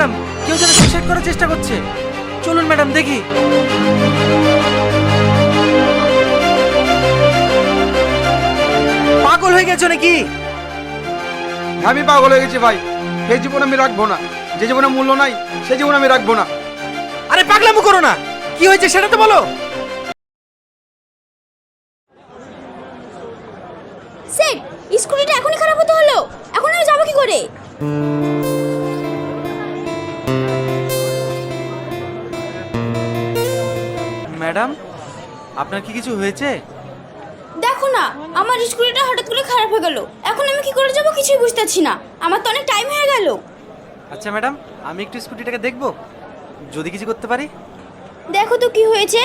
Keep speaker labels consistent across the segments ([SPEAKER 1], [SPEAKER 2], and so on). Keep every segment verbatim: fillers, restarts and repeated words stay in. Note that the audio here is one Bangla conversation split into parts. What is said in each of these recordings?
[SPEAKER 1] ম্যাডাম, কেউ যেন সুইসাইড করার চেষ্টা করছে। চলুন ম্যাডাম দেখি। পাগল হয়ে গেছো নাকি?
[SPEAKER 2] আমি পাগল হয়ে গেছি ভাই। এই জীবন আমি রাখবো না। যে জীবনে মূল্য নাই সেই জীবন আমি রাখবো না।
[SPEAKER 1] আরে পাগলামো করো না, কি হয়েছে সেটা তো বলো।
[SPEAKER 3] সেট, স্কুটিটা এখনই খারাপ হতে হলো, এখন আমি যাবো কি করে?
[SPEAKER 1] ম্যাডাম, আপনার কি কিছু হয়েছে?
[SPEAKER 3] দেখো না, আমার স্কুটিটা হঠাৎ করে খারাপ হয়ে গেল। এখন আমি কি করে যাবো কিছুই বুঝতে পারছি না। আমার তো অনেক টাইম হয়ে গেল।
[SPEAKER 1] আচ্ছা ম্যাডাম, আমি একটু স্কুটিটাকে দেখবো, যদি কিছু করতে পারি।
[SPEAKER 3] দেখো তো কি হয়েছে।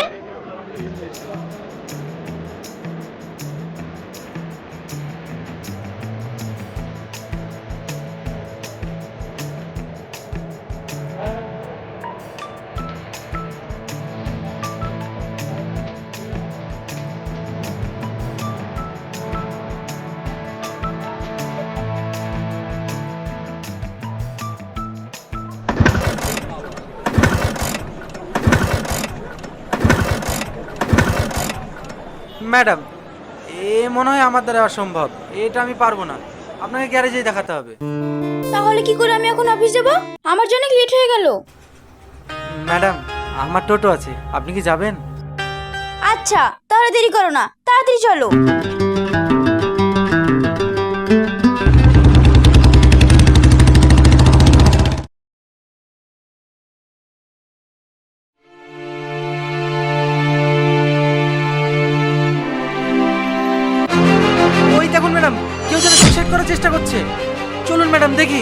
[SPEAKER 1] ম্যাডাম, এ মনে হয় আমার দ্বারা অসম্ভব, এটা আমি পারবো না। আপনাকে গ্যারেজেই দেখাতে হবে।
[SPEAKER 3] তাহলে কি করে আমি এখন অফিস যাব? আমার জন্য লেট হয়ে গেল।
[SPEAKER 1] ম্যাডাম, আমার টোটো আছে, আপনি কি যাবেন?
[SPEAKER 3] আচ্ছা, তাহলে দেরি করো না, তাড়াতাড়ি চলো।
[SPEAKER 1] ওই দেখুন ম্যাডাম, কেউ যেন সুইসাইড করার চেষ্টা করছে। চলুন ম্যাডাম দেখি।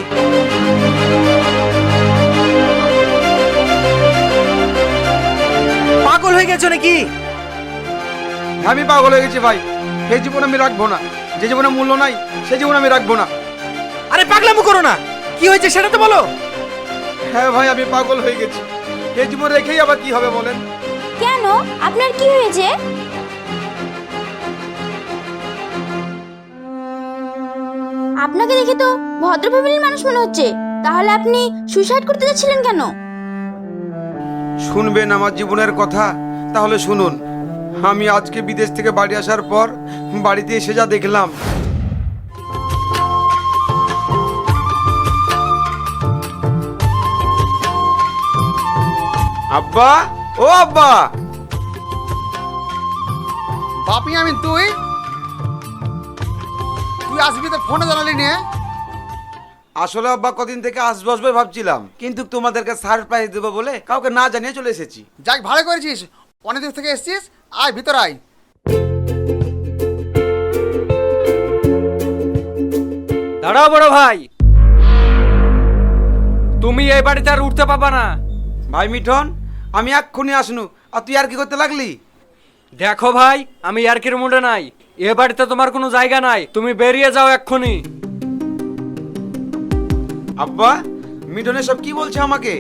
[SPEAKER 1] পাগল হয়ে গেছো নাকি?
[SPEAKER 2] আমি পাগল হয়ে গেছি ভাই। এই জীবন আমি রাখবো না। যে জীবনে মূল্য নাই সেই জীবন আমি রাখবো না।
[SPEAKER 1] আরে পাগলামো করো না, কি হয়েছে সেটা তো বলো।
[SPEAKER 2] হ্যাঁ ভাই, আমি পাগল হয়ে গেছি। এই জীবন রেখেই আবার কি হবে বলেন?
[SPEAKER 3] কেন, আপনার কি হয়েছে? আপনাকে দেখে তো ভদ্র ফ্যামিলির মানুষ মনে হচ্ছে, তাহলে আপনি সুইসাইড করতে যাচ্ছিলেন কেন?
[SPEAKER 2] শুনবেন আমার জীবনের কথা? তাহলে শুনুন। আমি আজকে বিদেশ থেকে বাড়ি আসার পর বাড়িতে এসে যা দেখলাম, আব্বা, ও আব্বা।
[SPEAKER 4] বাপি, আমি তুই তুই আসবি তো ফোনে জানালি নিয়ে।
[SPEAKER 2] আসলে আব্বা কদিন থেকে আসবো আসবো ভাবছিলাম, কিন্তু তোমাদেরকে সারপ্রাইজ দেবো বলে কাউকে না জানিয়ে চলে এসেছি।
[SPEAKER 4] যাক, ভালো করেছিস, অনেক দূর থেকে এসেছিস। আয় ভিতর আয়।
[SPEAKER 5] দাঁড়াও বড় ভাই, তুমি এই বাড়িতে আর উঠতে পাবা না।
[SPEAKER 2] ভাই মিঠন, আমি এক্ষুনি আসনু, আর তুই আর কি করতে লাগলি?
[SPEAKER 5] দেখো ভাই, আমি ইয়ার্কির মুডে নাই। এ বাড়িতে তোমার কোনো জায়গা নাই, তুমি বেরিয়ে যাও এক্ষুনি।
[SPEAKER 2] আব্বা, মিঠন সব কি বলছে আমাকে?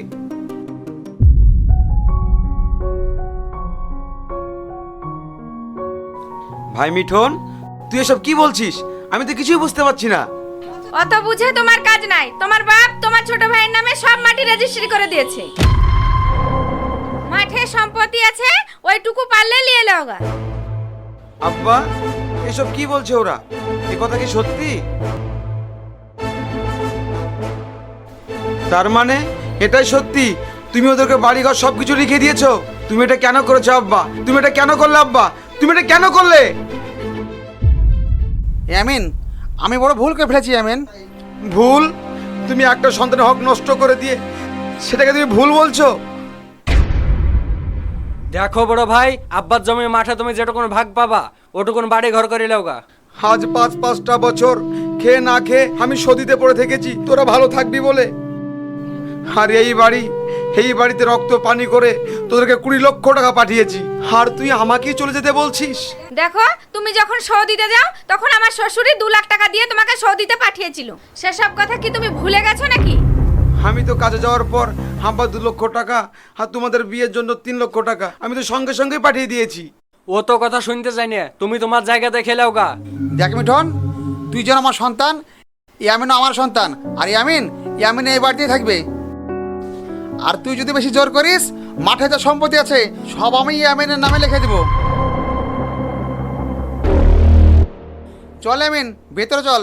[SPEAKER 2] ভাই মিঠন, তুই এসব কি বলছিস? আমি তো কিছুই বুঝতে পারছি না।
[SPEAKER 6] অত বুঝে তোমার কাজ নাই। তোমার বাপ তোমার ছোট ভাইয়ের নামে সব মাটি রেজিস্ট্রি করে দিয়েছে। মাঠে সম্পত্তি আছে, ওইটুকু পারলে নিয়ে লওগা।
[SPEAKER 2] আব্বা, এসব কি বলছে ওরা? এ কথা কি সত্যি? তার মানে এটাই সত্যি? তুমি ওদেরকে বাড়িঘর সবকিছু লিখে দিয়েছো? তুমি এটা কেন করেছো আব্বা? তুমি এটা কেন করলে আব্বা? তুমি এটা কেন করলে?
[SPEAKER 4] ইয়ামিন, আমি বড় ভুল করে ফেলেছি ইয়ামিন।
[SPEAKER 2] ভুল? তুমি একটা সন্তানের হক নষ্ট করে দিয়ে সেটাকে তুমি ভুল বলছো?
[SPEAKER 5] দেখো বড় ভাই, আব্বার জমি মাঠে তুমি যেটুকুন ভাগ পাবা ওটুকুন বাড়ি ঘর করে লওগা।
[SPEAKER 2] আজ পাঁচ পাঁচটা বছর খেয়ে না খেয়ে আমি সদিতে পড়ে থেকেছি তোরা ভালো থাকবি বলে। আর এই বাড়ি, এই বাড়িতে রক্ত পানি করে তোদেরকে কুড়ি লক্ষ টাকা পাঠিয়েছি, আর তুই আমাকেই চলে যেতে বলছিস?
[SPEAKER 6] দেখো, তুমি যখন সৌদিতে যাও তখন আমার শ্বশুরই দু লাখ টাকা দিয়ে তোমাকে সৌদিতে পাঠিয়েছিল। সেসব কথা কি তুমি ভুলে গেছো নাকি?
[SPEAKER 2] আমি তো কাজে যাওয়ার পর আব্বা দু লক্ষ টাকা আর তোমাদের বিয়ের জন্য তিন লক্ষ টাকা আমি তো সঙ্গে সঙ্গে পাঠিয়ে দিয়েছি।
[SPEAKER 5] ও তো কথা শুনতে চাই না, তুমি তোমার জায়গা দেখে লওগা।
[SPEAKER 4] দেখ মিঠন, তুই যেন আমার সন্তান, ইয়ামিনও আমার সন্তান, আর ইয়ামিন ইয়ামিন এই বাড়িতেই থাকবে। আর তুই যদি বেশি জোর করিস, মাঠে যা সম্পত্তি আছে সব আমি ইয়ামিনের নামে লিখে দিব। চল ইয়ামিন, ভেতরে চল।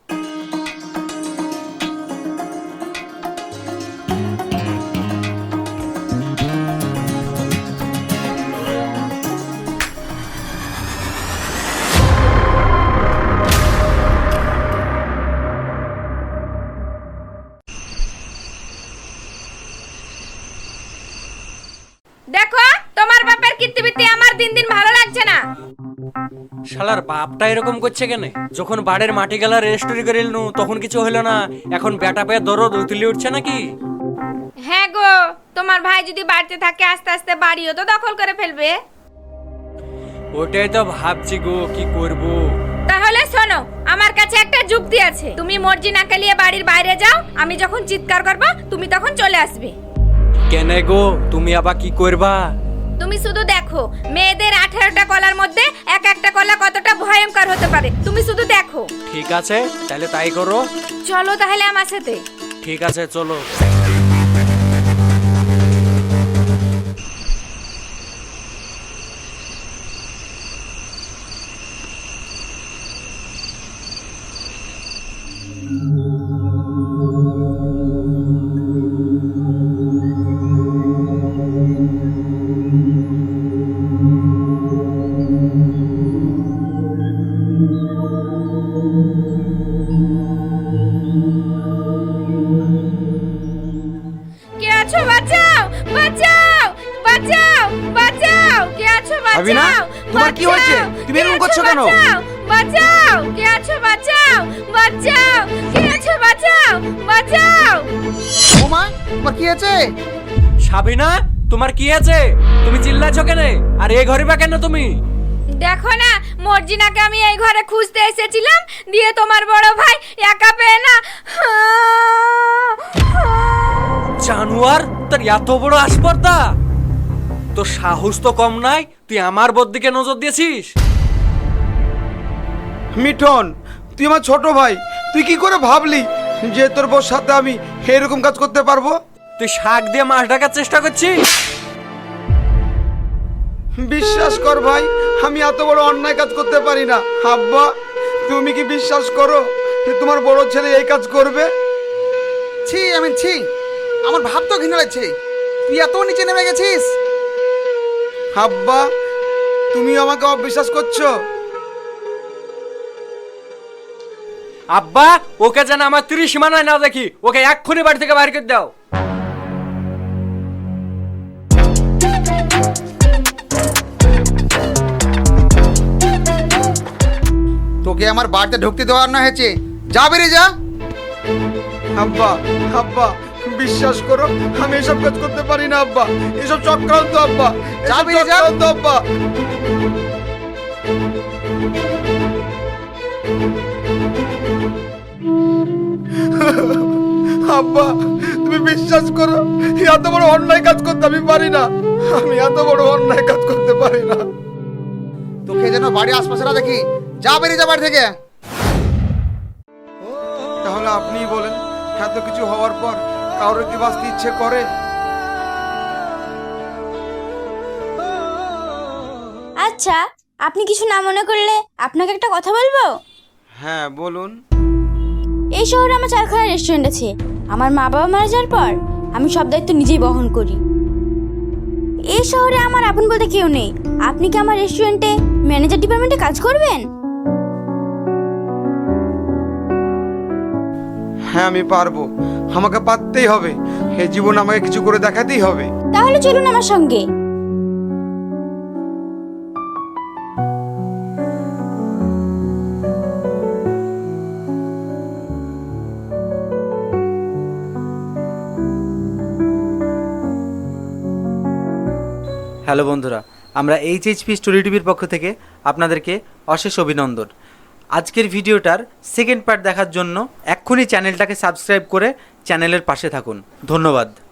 [SPEAKER 6] দেখো তোমার বাপের কীর্তিবৃত্তি আমার দিন দিন ভালো লাগছে না।
[SPEAKER 5] শালার বাপটা এরকম করছে কেন? যখন বাড়ির মাটি গেলা রেজিস্ট্রি করে এলনু তখন কিছু হলো না, এখন বেটা পেয়ে দরদ উতলি উঠছে নাকি?
[SPEAKER 6] হ্যাঁ গো, তোমার ভাই যদি বাড়িতে থাকে আস্তে আস্তে বাড়িও তো দখল করে ফেলবে।
[SPEAKER 5] ওটাই তো ভাবছি গো, কি করব।
[SPEAKER 6] তাহলে শোনো, আমার কাছে একটা যুক্তি আছে। তুমি মর্জিনাকে নিয়ে বাড়ির বাইরে যাও, আমি যখন চিৎকার করব তুমি তখন চলে আসবে।
[SPEAKER 5] কেন গো, তুমি আবার কি করবা?
[SPEAKER 6] তুমি শুধু দেখো মেয়েদের আঠারোটা কলার মধ্যে এক একটা কলা কতটা ভয়ঙ্কর হতে পারে, তুমি শুধু দেখো।
[SPEAKER 5] ঠিক আছে, তাহলে তাই করো।
[SPEAKER 6] চলো তাহলে আমার সাথে।
[SPEAKER 5] ঠিক আছে, চলো।
[SPEAKER 6] কে আছো? বাঁচাও, বাঁচাও, বাঁচাও, বাঁচাও। কে আছো?
[SPEAKER 1] আবিনা,
[SPEAKER 6] বাঁচাও।
[SPEAKER 1] তোমার কি হয়েছে? তুমি এরকম করছো কেন?
[SPEAKER 6] বাঁচাও, বাঁচাও। কে আছো? বাঁচাও, বাঁচাও। কে আছো? বাঁচাও, বাঁচাও।
[SPEAKER 4] ওমা, তোমার কি আছে?
[SPEAKER 5] সাবিনা, তোমার কি আছে? তুমি চিল্লাছো কেন? আর এই ঘরে বা কেন তুমি?
[SPEAKER 6] দেখো না, মর্জিনাকে আমি এই ঘরে খুঁজতে এসেছিলাম, দিয়ে তোমার বড় ভাই একা পেয়ে না।
[SPEAKER 5] জানোয়ার, তোর এত বড় আসপর্দা! তোর সাহস তো কম নাই, তুই আমার বদিকে নজর দিয়েছিস।
[SPEAKER 2] মিঠন, তুই আমার ছোট ভাই, তুই কি করে ভাবলি যে তোর বউর সাথে আমি এরকম কাজ করতে পারবো?
[SPEAKER 5] তুই শাক দিয়ে মাছ ঢাকার চেষ্টা করছিস।
[SPEAKER 2] বিশ্বাস কর ভাই, আমি এত বড় অন্যায় কাজ করতে পারি না। আব্বা, তুমি কি বিশ্বাস করো যে তোমার বড় ছেলে এই কাজ করবে?
[SPEAKER 4] ছি আমি ছি, আমার ভাব তো ঘৃণা লাগছে। তুই এত নিচে নেমে গেছিস।
[SPEAKER 2] আব্বা, তুমি আমাকে অবিশ্বাস করছো?
[SPEAKER 5] আব্বা, ওকে যেন আমার ত্রিশ সীমানায় না দেখি, ওকে এক্ষুনি বাড়ি থেকে বাইরে করে দাও।
[SPEAKER 4] তোকে আমার বাড়িতে ঢুকতে দেওয়ার না হয়েছে, যা বেরিয়ে যা।
[SPEAKER 2] আব্বা, আব্বা, বিশ্বাস করো আমি এসব কাজ করতে পারি না আব্বা। এসব চক্রান্ত আব্বা, এসব
[SPEAKER 4] যা বেরিয়ে যা।
[SPEAKER 2] চক্রান্ত আব্বা। আব্বা, তুমি বিশ্বাস করো, এত বড় অন্যায় কাজ করতে আমি পারি না। আমি এত বড় অন্যায় কাজ করতে পারি না।
[SPEAKER 4] তোকে যেন বাড়ির আশপাশে না দেখি, যা বেরিয়ে যা বাড়ি থেকে।
[SPEAKER 2] তাহলে আপনিই বলেন, এত কিছু হওয়ার পর কারোর কি বাঁচতে ইচ্ছে করে?
[SPEAKER 3] আচ্ছা, আপনি কিছু না মনে করলে আপনাকে একটা কথা বলবো?
[SPEAKER 2] হ্যাঁ বলুন।
[SPEAKER 3] এই শহরে আমার চারখানা রেস্টুরেন্ট আছে। আমার মা বাবা মারা যাওয়ার পর আমি সব দায়িত্ব নিজেই বহন করি। এই শহরে আমার আপন বলতে কেউ নেই। আপনি কি আমার রেস্টুরেন্টে ম্যানেজার ডিপার্টমেন্টে কাজ করবেন?
[SPEAKER 2] হ্যাঁ আমি পারবো, আমাকে পারতেই হবে। এই জীবন আমাকে কিছু করে দেখাতেই হবে।
[SPEAKER 3] তাহলে চলুন আমার সঙ্গে।
[SPEAKER 1] হ্যালো বন্ধুরা, আমরা এইচএইচপি স্টোরি টিভির পক্ষ থেকে আপনাদেরকে অশেষ অভিনন্দন। আজকের ভিডিওটার সেকেন্ড পার্ট দেখার জন্য এক্ষুনি চ্যানেলটাকে সাবস্ক্রাইব করে চ্যানেলের পাশে থাকুন। ধন্যবাদ।